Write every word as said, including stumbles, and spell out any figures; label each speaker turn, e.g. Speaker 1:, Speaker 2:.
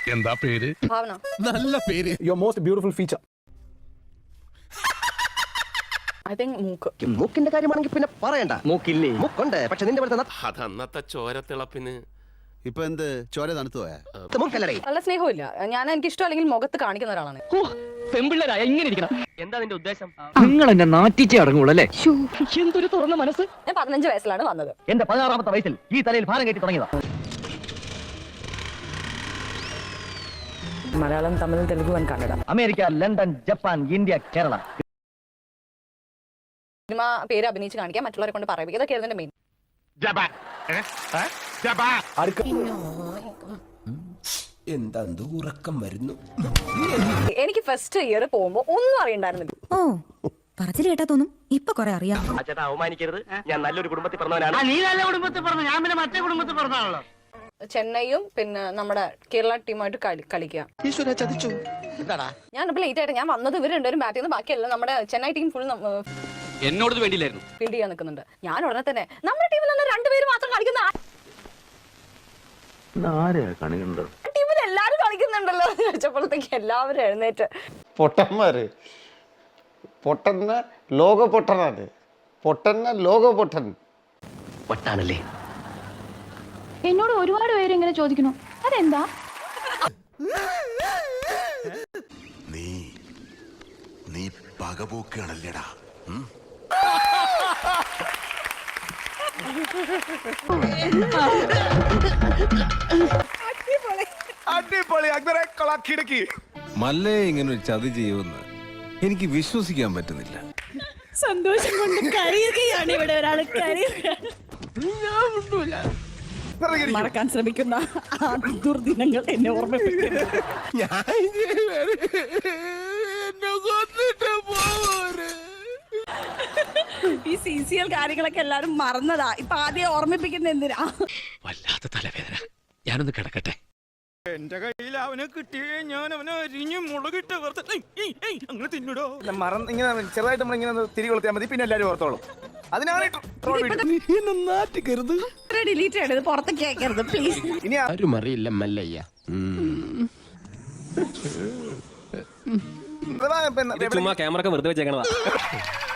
Speaker 1: എന്താ പേര്?
Speaker 2: ഭാവന.
Speaker 1: നല്ല പേര്.
Speaker 3: Your most beautiful feature.
Speaker 2: I think മൂക്ക്.
Speaker 4: മൂക്കിന്റെ കാര്യമാണെങ്കിൽ പിന്നെ പറയണ്ട. മൂക്കില്ലേ? മൂക്കുണ്ട്. പക്ഷെ നിന്റെ
Speaker 5: അത് അന്നത്തെ ചോരത്തിളപ്പിന്
Speaker 6: ഇപ്പൊ എന്ത് ചോര തണുത്തു പോയാ?
Speaker 4: മൂക്കല്ലേ?
Speaker 2: നല്ല സ്നേഹമില്ല. ഞാൻ എനിക്ക് ഇഷ്ടം അല്ലെങ്കിൽ മുഖത്ത് കാണിക്കുന്ന ഒരാളാണ്.
Speaker 7: പെമ്പിള്ളേരായ ഇങ്ങനെ ഇരിക്കണം.
Speaker 4: എന്താ നിന്റെ ഉദ്ദേശം?
Speaker 7: നിങ്ങൾ എന്നെ നാറ്റിച്ചേ അടങ്ങുള്ളൂ അല്ലേ? എന്തൊരു തുറന്ന മനസ്സ്.
Speaker 2: ഞാൻ പതിനഞ്ച് വയസ്സിലാണ് വന്നത്.
Speaker 7: എന്റെ പതിനാറാമത്തെ വയസ്സിൽ ഈ തലയിൽ ഭാരം കയറ്റി തുടങ്ങിയതാ.
Speaker 2: Malayalam, Tamil, Telugu and Kannada.
Speaker 7: America, London, Japan, India, Kerala.
Speaker 2: Cinema പേര് അഭിനയിച്ച് കാണിക്കാൻ, മറ്റുള്ളവരെ കൊണ്ട് പറയിപ്പിക്കുക, ഇതൊക്കെ എന്റെ മെയിൻ.
Speaker 8: എന്താ ഉറക്കം വരുന്നു.
Speaker 2: എനിക്ക് ഫസ്റ്റ് ഇയർ പോകുമ്പോ ഒന്നും അറിയണ്ടായിരുന്നില്ല.
Speaker 9: ഓ പറച്ചിൽ കേട്ടാ തോന്നും ഇപ്പൊ കൊറേ അറിയാം.
Speaker 4: ചേട്ടാ അവമാനിക്കരുത്. ഞാൻ നല്ലൊരു കുടുംബത്തിൽ പറഞ്ഞവനാണ്.
Speaker 7: നീ നല്ല കുടുംബത്തിൽ പറഞ്ഞു, ഞാൻ പിന്നെ മറ്റേ കുടുംബത്തിൽ പറഞ്ഞാണല്ലോ.
Speaker 2: ചെന്നൈയും പിന്നെ നമ്മുടെ കേരള ടീമായിട്ട് കളിക്കുക. ഞാൻ ഇപ്പൊ ലേറ്റ് ആയിട്ട് ഞാൻ വന്നത് ഇവർ രണ്ടുപേരും ബാറ്റ് ചെയ്യുന്ന, ബാക്കിയല്ല നമ്മുടെ ചെന്നൈ ടീം ഫുൾ
Speaker 7: എന്നോട് വേണ്ടിയില്ലായിരുന്നു.
Speaker 2: ഫീൽഡ് ചെയ്യാൻ നിൽക്കുന്നുണ്ട്. ഞാൻ ഉടനെ തന്നെ നമ്മുടെ ടീമിൽ തന്നെ രണ്ടുപേര് മാത്രം കളിക്കുന്ന ടീമിൽ എല്ലാരും കളിക്കുന്നുണ്ടല്ലോ എന്ന് ചോദിച്ചപ്പോഴത്തേക്ക് എല്ലാവരും എഴുന്നേറ്റ്.
Speaker 10: പൊട്ടന്മാര് പൊട്ടന്ന ലോക പൊട്ടനാണ്. പൊട്ടന്ന ലോക പൊട്ടൻ.
Speaker 4: പൊട്ടാണല്ലേ?
Speaker 9: എന്നോട് ഒരുപാട് പേര് ഇങ്ങനെ ചോദിക്കുന്നു, അതെന്താ?
Speaker 6: നീ നീ പകപോക്കാണല്ലേടാ.
Speaker 3: അടിപൊളി അക്ബറെ കൊളാക്കിടക്കി.
Speaker 1: മല്ലേ ഇങ്ങനെ ഒരു ചതി ചെയ്യുമെന്ന് എനിക്ക് വിശ്വസിക്കാൻ പറ്റുന്നില്ല.
Speaker 9: സന്തോഷം കൊണ്ട് കരയുകയാണ് ഇവിടെ ഒരാൾ. മറക്കാൻ ശ്രമിക്കുന്ന ആ ദുർദിനങ്ങൾ എന്നെ ഓർമ്മിപ്പിക്കുന്നു. ഈ സി സി എൽ കാര്യങ്ങളൊക്കെ എല്ലാരും മറന്നതാ. ഇപ്പൊ ആദ്യം ഓർമ്മിപ്പിക്കുന്ന എന്തിനാ?
Speaker 5: വല്ലാത്ത തലവേദന. ഞാനൊന്ന് കിടക്കട്ടെ.
Speaker 3: എന്റെ കയ്യിൽ അവനെ കിട്ടിയേ ഞാൻ അവനെ അരിഞ്ഞ് മുളകിട്ട് അങ്ങനെ തിന്നിടോ. മറന്ന് ഇങ്ങനെ ചെറുതായിട്ട് നമ്മൾ ഇങ്ങനെ തിരി കൊളുത്തിയാൽ മതി, പിന്നെ എല്ലാരും ഓർത്തോളും. അതിനാണ്
Speaker 9: ഡിലീറ്റ് ചെയ്യരുത്, പുറത്തേക്ക് അയക്കരുത് പ്ലീസ്.
Speaker 3: ഇനി
Speaker 8: ആരും അറിയില്ല മല്ലയ്യ.
Speaker 5: ചുമ്മാ ക്യാമറ വെറുതെ വെച്ചേക്കണതാ.